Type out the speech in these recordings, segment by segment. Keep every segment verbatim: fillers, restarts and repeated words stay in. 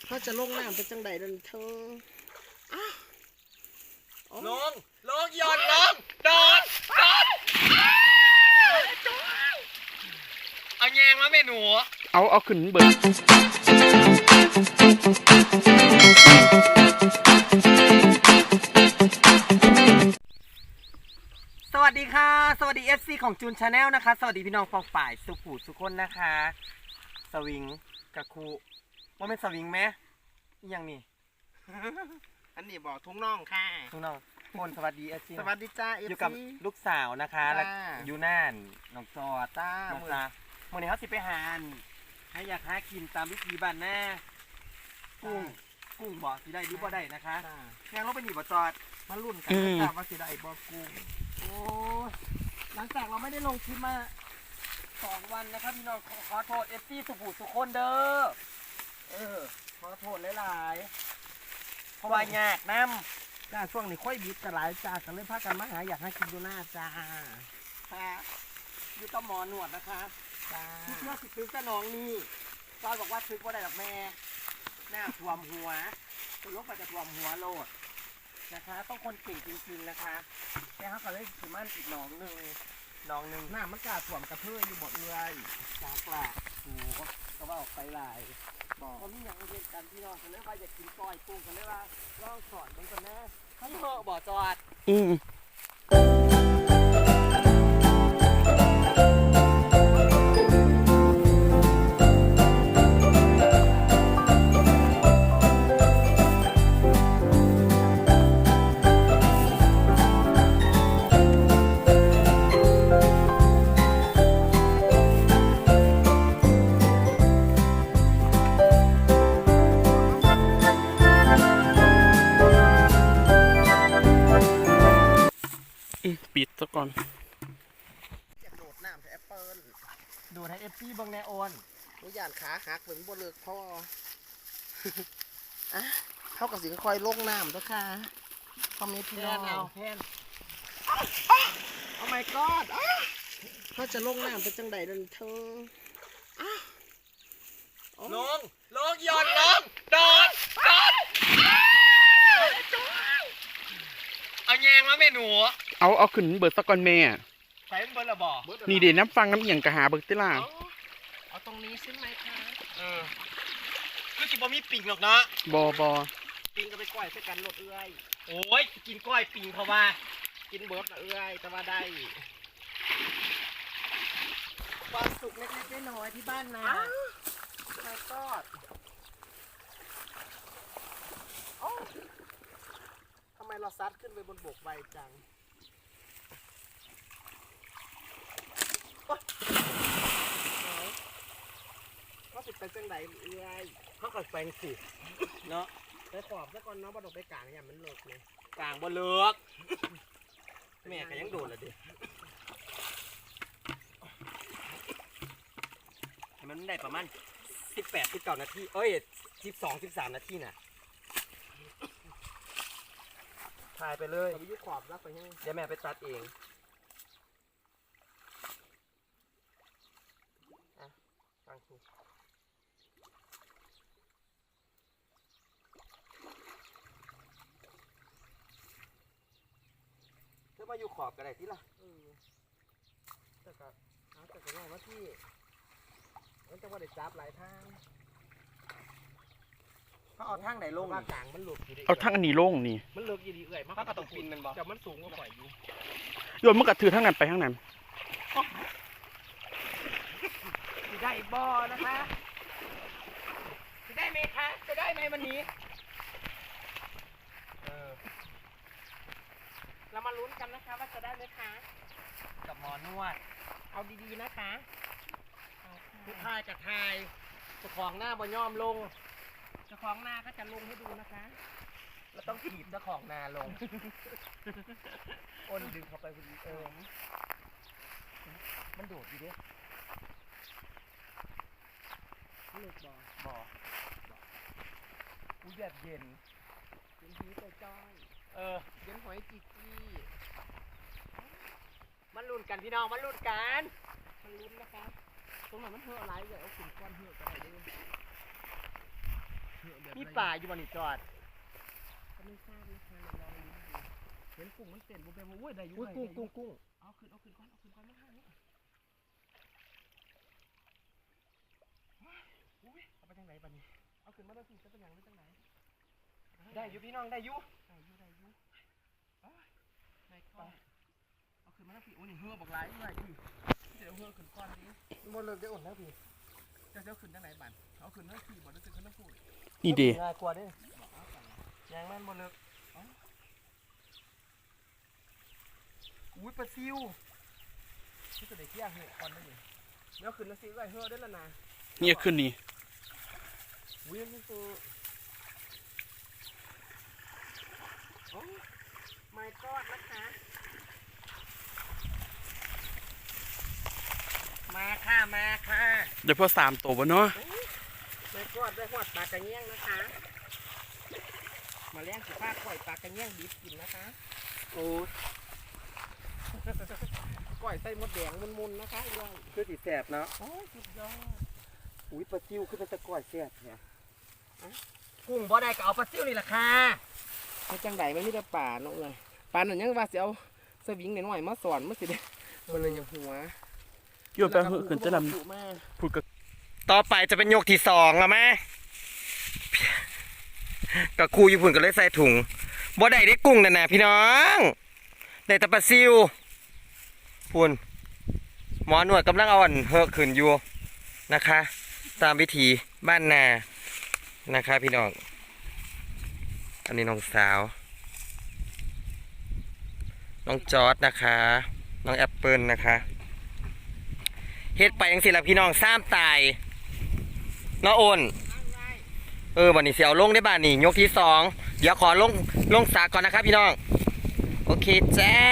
เขาจะลงน้ำเป็นจังใดนั่นเธอลงลงหย่อนลงโดดโดดเอาแยงมาเมนูเอาเอาขึ้นเบิร์สวัสดีค่ะสวัสดี เอฟ ซี ของจูนชาแนลนะคะสวัสดีพี่น้องฟองฝ่ายสุขุสุขคนนะคะสวิงกะคูว่าเป็นสวิงไหมยังนี่อันนี้บอกทุ่งน่องค่ะทุ่งน่องคนสวัสดี เอฟ ซีสวัสดีจ้า เอฟ ซีอยู่กับลูกสาวนะคะและอยู่น่านน้องจอดจ้าน้องตาเมื่อนี้เขาสิไปหาให้อยากหากินตามวิธีบ้านหน้ากุ้งกุ้งบ่สิได้หรือบ่ได้นะคะยังลงไปหนีบ่จอดมาลุ่นกันจ้าว่าสิได้บ่กุ้งโอ้หลังจากเราไม่ได้ลงคลิปมาสองวันนะครับพี่น้องขอโทษ เอฟ ซี สุขุสุขคนเด้อเออขอโทษหลายๆเพราะว่ายากน้ำจ้าช่วงนี้ค่อยบิดกันหลายจ้ากันเลยพากันมาหาอยากให้กินดูหน้าจ้าค่ะอยู่กับหมอหนวดนะคะจ้าที่เพื่อสิซื้อสนองนี่จอยบอกว่าซื้อว่าได้หรอกแม่หน้าท่วมหัวตัวลกไปจะท่วมหัวโลดนะคะต้องคนเก่งจริงๆนะคะแค่เขาก็เลยถือมันอีกหนองหนึ่งหนองหนึ่งหน้ามันกาถ่วมกระเพื่ออยู่บดเอื้อยจากหลักโอ้ก็ว่าออกไปหลายบอกเขามีอย่างเรียนกันพี่น้องกันเลยว่าอยากกินก้อยกุ้งกันเลยว่าลองสอนมันกันนะให้เหอะบ่อจอดอืมปิดซะก่อนอยากโดดน้ำแอปเปิลโดดให้เอฟซีบังแนโอนตัวอย่างขาหักเหมือนบนเลือกพ่ออ่ะเท่ากับสิค่อยลงน้ำด้วยค่ะคอมเมนต์พี่น้องเอาแพนโอ้ my god เขาจะลงน้ำเป็นจังใดนั่นเธอลงลงหย่อนลงโดดโดดเอาแยงมาเมนูเอาเอาขึ้นเบิร์ดซะก่อนแม่ใส่เบิร์ดละบ่นี่เดี๋ยวน้ำฟังน้ำเอียงกะหาเบิร์ดติล่ะเอาตรงนี้ใช่ไหมคะเออคือจิบมีปิ่งหรอกนะบอบอปิงก็ไปก้อยใส่กันรถเอื้อยโอ้ยกินก้อยปิ่งเพราะว่ากินเบิร์ดเอื้อยแต่ว่าได้ความสุขเล็กๆน้อยๆที่บ้านนาไม่กอดทำไมเราซัดขึ้นไปบนบกใบจังก็ติดไปจังไหนเอื้อยเขาก็แปลงสิเนาะไปขอบซะก่อนเนาะบ่ดอกไปกลางอย่างมันเลิกเลยกลางบ่เลิกแม่ก็ยังโดนละดิให้มันได้ประมาณสิบแปดสิบเก้านาทีเอ้ยสิบสองสิบสามนาทีน่ะถ่ายไปเลยไปยุขอบรับไปให้เดี๋ยวแม่ไปตัดเองอ่ะฟังถูกเธอมาอยู่ขอบกันไหนที่ล่ะแต่ก็หาแต่ก็ง่ายว่าที่มันจะว่าได้จับหลายทางเขาเอาทางไหนลงกลางมันหลุดอยู่เอาทางอันนี้ลงนี่มันเลิกยีดีเอื่อยมากก็ต้องปีนมันบ่แต่มันสูงกว่าข่อยอยู่โยนมันกระถือทางนั้นไปทางนั้นจะได้บ่อนะคะจะได้ไหมคะจะได้ไหมวันนี้เออเรามาลุ้นกันนะคะว่าจะได้ไหมคะกับหมอนวดเอาดีๆนะคะทุกทายกับทายเจ้าของหน้าบ่ย่อมลงเจ้าของหน้าก็จะลงให้ดูนะคะเราต้องถีบเจ้าของนาลงอ้นดึงเข้าไปพอดีเออมันโดดดีด้วยเลือกบ่อบ่ออุ้ยแบบเย็นเย็นหีแต่จ้อยเออเย็นหอยจีจี้มันลุ้นกันพี่น้องมันลุ้นกันมันลุ้นนะคะตรงไหนมันเหื่ออะไรอย่าเอาขุ่นก้อนเหื่อกันไหนด้วยเหื่อมีป่าอยู่บนนี่จอดก็ไม่ทราบนะคะลองดูเห็นกุ้งมันเต้นบุบเบมโอ้ยได้อยู่ได้กุ้งกุ้งกุ้งเอาขึ้นเอาขึ้นก่อนเอาขึ้นก่อนไม่ให้นี่เอาไปทางไหนบ้านี้เอาขึ้นมาได้สิจะเป็นอย่างไรทางไหนได้อยู่พี่น้องได้อยู่ได้อยู่ได้อยู่ได้ก่อนเอาขึ้นมาได้สิโอ้ยนี่เหือบอกลายด้วยพี่เดี๋ยวเหือขึ้นก้อนนี้มันเลิกได้อุ่นแล้วพี่จะเดี๋ยวขึ้นทางไหนบ้านเอาขึ้นทั้งสี่บ่ได้ขึ้นทั้งคู่นี่เด้ง่ายกว่าดิยางแม่นบ่เลิกอุ้ยปลาซิวที่จะได้เที่ยงเหตุก่อนได้ยังเดี๋ยวขึ้นแล้วซิวไอ้เหือได้แล้วนะนี่ขึ้นนี่อุ้ยนี่ตัวโอ้ไม่กอดนะคะมาค่ะมาค่ะเดี๋ยวพอสามตัวบ่เนาะไม่กอดได้หอดปลากระเงี้ยงนะคะมาเลี้ยงสิฟ้าก่อยปลากระเงี้ยงดิบกินนะคะโอ้ก่อยใส่มดแดงมุนๆนะคะด้วยคือสีแสบเนาะโอ้ยสุดยอดอุ้ยปลาซิวคือเป็นตะก่อยแสบเนี่ยกุ้งบ่ได้ก็เอาปลาซิวนี่แหละค่ะให้จังไดมันมีแต่ป่าเนาะเลยป่าหนึ่งยังว่าสิเอาสวิงหน่อยๆมาสอนมันสิได้มันเลยอย่างหัวโยนไปเหือขึ้นจะลำพูดกับต่อไปจะเป็นยกที่สองแล้วแม่กับครูญี่ปุ่นก็เลยใส่ถุงบ่ได้ได้กุ้งนั่นนะพี่น้องได้แต่ปลาซิวพุ่นหมอหนวดกำลังเอาอันเฮอะขึ้นอยู่นะคะ ตามวิธีบ้านนานะคะพี่น้องอันนี้น้องสาวน้องจอร์ดนะคะน้องแอปเปิลนะคะเฮ็ดไปยังสิละพี่น้องซ้ำตายน้าโอนเออวันนี้เสียวลงได้บ้านนี่ยกที่สองเดี๋ยวขอลงลงสาก่อนนะครับพี่น้องโอเคจ้า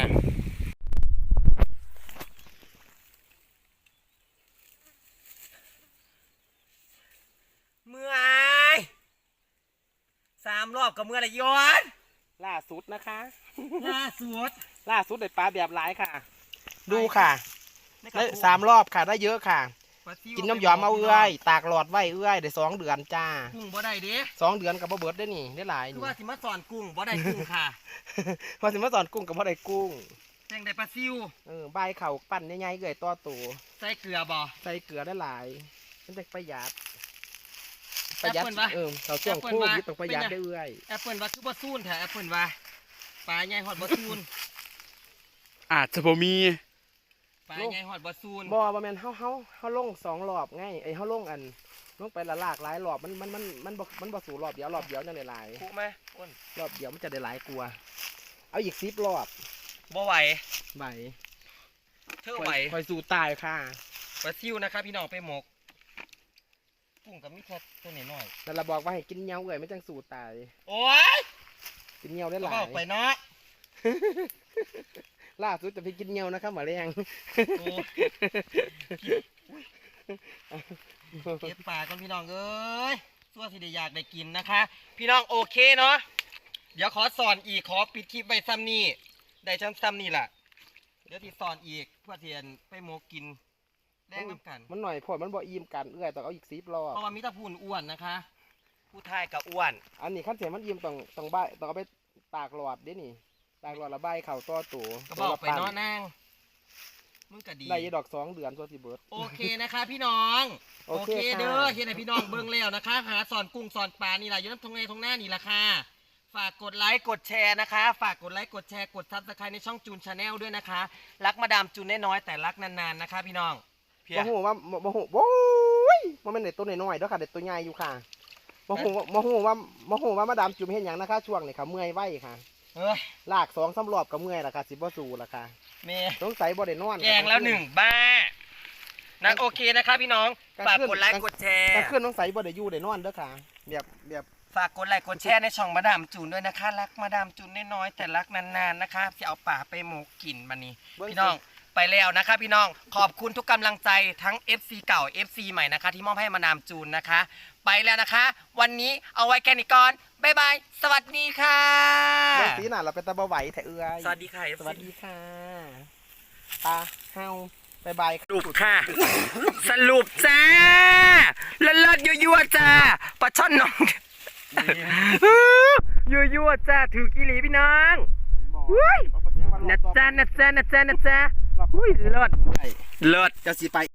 เมื่อยสามรอบกับเมื่อไรย้อนล่าสุดนะคะล่าสุดล่าสุดได้ปลาแบบหลายค่ะ ดูค่ะได้สามรอบค่ะได้เยอะค่ะ กินน้ำยอมเอาเอื้อยตากหลอดไว้เอื้อยได้สองเดือนจ้ากุ้งบ่ได้เด้สองเดือนกับบ่เบิดได้นี่ได้หลายคือนี่ว่าสิมาสอนกุ้งบ่ได้กุ้งค่ะพอสิมาสอนกุ้งกับบ่ได้กุ้งแตงได้ปลาซิวเออใบเข่าปั้นใหญ่ๆเอื้อยต่อตัวใส่เกลือบ่ใส่เกลือได้หลายมันจะประหยัดประหยัดแอปเปิ้ลวะเออเขาช่วงแอปเปิ้โคลวะวิดต้องประหยัดได้เอื้อยแอปเปิลว่าคือบ่ซูนแท้แอปเปิลว่าปลาใหญ่ฮอดบ่ซูนอาจจะบ่มีปลาใหญ่ฮอดบ่ซูนบ่บ่แม่นเฮาเฮาเฮาลงสองรอบไงไอ้เฮาลงอันลงไปละลากหลายรอบมันมันมันมันบ่มันบ่สู่รอบเดียวรอบเดียวนั่นได้หลายคุไหมอ้นรอบเดียวมันจะได้หลายกลัวาเอาอีกสิบรอบบ่ไหวใบเธอไหวคอยสู่ตายค่ะปลาซิวนะครับพี่น้องไปหมกกุ้งกับมีแค่ตัวน้อยนั่นละบอกว่าให้กินเหนียวเอ้ยมันจังสู่ตายๆโอ้ยกินเหนียวได้หก็ลาบอกไปยเนาะล่าสุดจะไปกินเหนียวนะครับหมาแรงโอ้เก็บปลาก่อนพี่น้องเอ้ยตัวที่ได้อยากได้กินนะคะ พี่น้องโอเคเนาะเดี๋ยวขอสอนอีกขอปิดคลิปไว้ซ้ำนี่ได้ชั้นซ้ำนี่แหละเดี๋ยวที่สอนอีกเพื่อเทียนไปหมกกินแรงน้ำกันมันหน่อยพอมันบ่อิ่มกันเอ้ยต้องเอาอีกสิบรอบเพราะว่ามิตรพูนอ้วนนะคะ ผู้ทายกับอ้วนอันนี้ขั้นเสียมันอิ่มต้องต้องใบต้องเอาไปตากหลอดเด้นี่ตากหลอดละใบเข่าต่อตัวก็บอกไปเนาะนางมึงก็ดีได้ยดอกสองเดือนตัวสิเบิร์ดโอเคนะคะพี่น้องโอโอเคเคค่ะเด้อเฮ็ดให้พี่น้องเบิ่งแล้วนะคะ หาสอนกุ้งสอนปลานี่แหละอยู่น้ำทงในทงหน้านี่แหละค่ะฝากกดไลค์กดแชร์นะคะ ฝากกดไลค์กดแชร์กดซับสไครต์ในช่องจูนชาแนลด้วยนะคะ รักมาดามจูนน้อยๆแต่รักนานๆนะคะพี่น้องเพียบ่ฮู้ว่าบ่ฮู้โว้ยมันเป็นเด็กตัวน้อยๆเด้อค่ะเด็กตัวใหญ่อยู่ค่ะบ่ฮู้ว่าบ่ฮู้ว่าบ่ฮู้ว่ามาดามจุ่มเฮ็ดหยังนะคะช่วงนี้ค่ะเมื่อยไว้ค่ะเอ้ยลากสองสามรอบก็เมื่อยล่ะค่ะสิบ่สู้ล่ะค่ะเมย์สงสัยบ่ได้นอนแกงแล้วหนึ่งบ้านะโอเคนะคะพี่น้องฝากกดไลค์กดแชร์กลางคืนสงสัยบ่ได้อยู่ได้นอนเด้อค่ะแบบแบบฝากกดไลค์กดแชร์ในช่องมาดามจูนด้วยนะคะ รักมาดามจูนน้อยๆแต่รักนานๆนะคะจะเอาป่าไปหมกกินมานี่พี่น้องไปแล้วนะคะพี่น้องขอบคุณทุกกำลังใจทั้ง เอฟ ซี เก่า เอฟ ซี ใหม่นะคะที่มอบให้มาดามจูนนะคะ ไปแล้วนะคะ วันนี้เอาไว้แค่นี้ก่อนบ๊ายบายสวัสดีค่ะเรื่องสีน่ะเราเป็นตาบ่ไหวแท้เอื้อยสวัสดีค่ะสวัสดีค่ะตาเฮาบายบายสรุปค่ะ สรุปจ้าเลิศๆยั่วๆจ้าปลาช่อนน้องยั่วยั่วๆจ้าถือกีหลีพี่น้องอุ้ยนะจ้านะจ้านะจ้านะจ้าอุ้ยเลิศเลิศจะสิไป